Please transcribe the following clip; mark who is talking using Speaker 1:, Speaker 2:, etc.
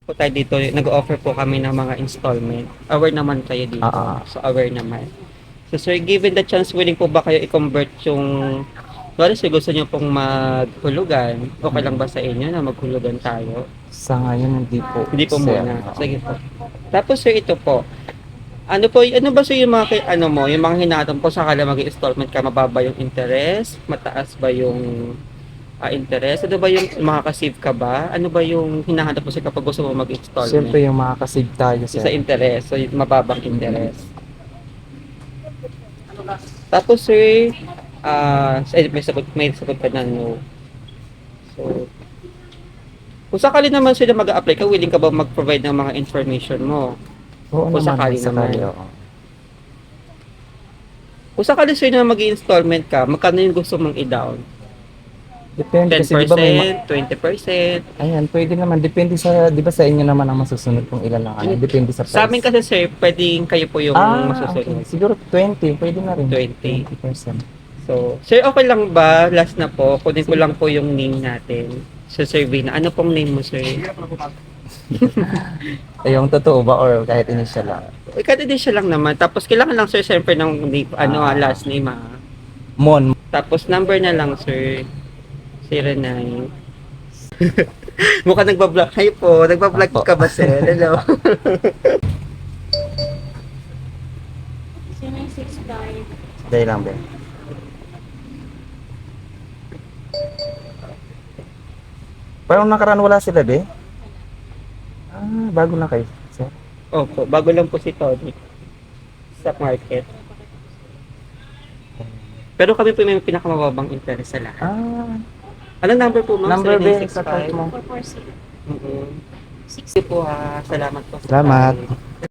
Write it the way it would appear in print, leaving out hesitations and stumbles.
Speaker 1: po tayo dito, nag-offer po kami ng mga installment. Aware naman kayo dito.
Speaker 2: Ah,
Speaker 1: So, aware naman. So, sir, given the chance, willing po ba kayo i-convert yung... Wala, sir, gusto niyo pong maghulugan? Okay lang ba sa inyo na maghulugan tayo?
Speaker 2: sa ngayon hindi po,
Speaker 1: Hindi po
Speaker 2: sir.
Speaker 1: muna. Sige po. Tapos, sir, ito po. Ano po, ano ba sir yung mga, ano mo, yung mga hinatam po sakala mag-installment ka, mababa yung interest? Mataas ba yung interest? Ano ba yung makaka-save ka ba? Ano ba yung hinahanap mo sir kapag gusto mo
Speaker 2: Siyempre
Speaker 1: mag-installment?
Speaker 2: yung makakasave tayo,
Speaker 1: So, sa
Speaker 2: sir.
Speaker 1: interest, so yung mababang interest. Tapos sir, may sagot ka na no. So, kung sakali naman sila mag-a-apply ka, willing ka ba mag-provide ng mga information mo?
Speaker 2: Oo
Speaker 1: Kung
Speaker 2: naman,
Speaker 1: sakali
Speaker 2: kung sakali,
Speaker 1: naman.
Speaker 2: oo.
Speaker 1: Kung sakali sir na mag-installment ka, magkano yung gusto mong i-down?
Speaker 2: Depende kasi, di ba
Speaker 1: 10%, 20%?
Speaker 2: ayan, pwede naman. Depende sa, di ba sa inyo naman ang masusunod kung ilan lang ano. Depende sa
Speaker 1: Sa amin
Speaker 2: price.
Speaker 1: kasi sir, pwedeng kayo po yung
Speaker 2: Okay.
Speaker 1: masusunod.
Speaker 2: Siguro 20, pwede na rin.
Speaker 1: 20.
Speaker 2: 20%.
Speaker 1: So, sir, okay lang ba? Last na po, kunin ko
Speaker 2: Sige.
Speaker 1: lang po yung name natin sa survey na. Ano pong name mo, sir?
Speaker 2: Yung totoo ba or kahit initial lang?
Speaker 1: Ikadidisya lang naman. Tapos, kailangan lang, sir, siyempre ng name, last name,
Speaker 2: Mon.
Speaker 1: Tapos, number na lang, sir. 09. Mukhang nagbablog. Hi po, nagbablog
Speaker 2: Apo.
Speaker 1: ka ba, sir? Hello.
Speaker 3: 0965.
Speaker 2: Dahil lang, Ben. Parang nakaraan wala sila, be? Bago na kayo, sir.
Speaker 1: Opo, bago lang po si Tony sa market. Pero kami po may pinakamababang interest sa lahat. Anong number po, ma'am?
Speaker 2: Number, be, sa
Speaker 1: 0965?
Speaker 2: card mo.
Speaker 3: 446.
Speaker 1: Mm-mm. Sige po ha. Salamat po. sa
Speaker 2: Salamat.
Speaker 1: time.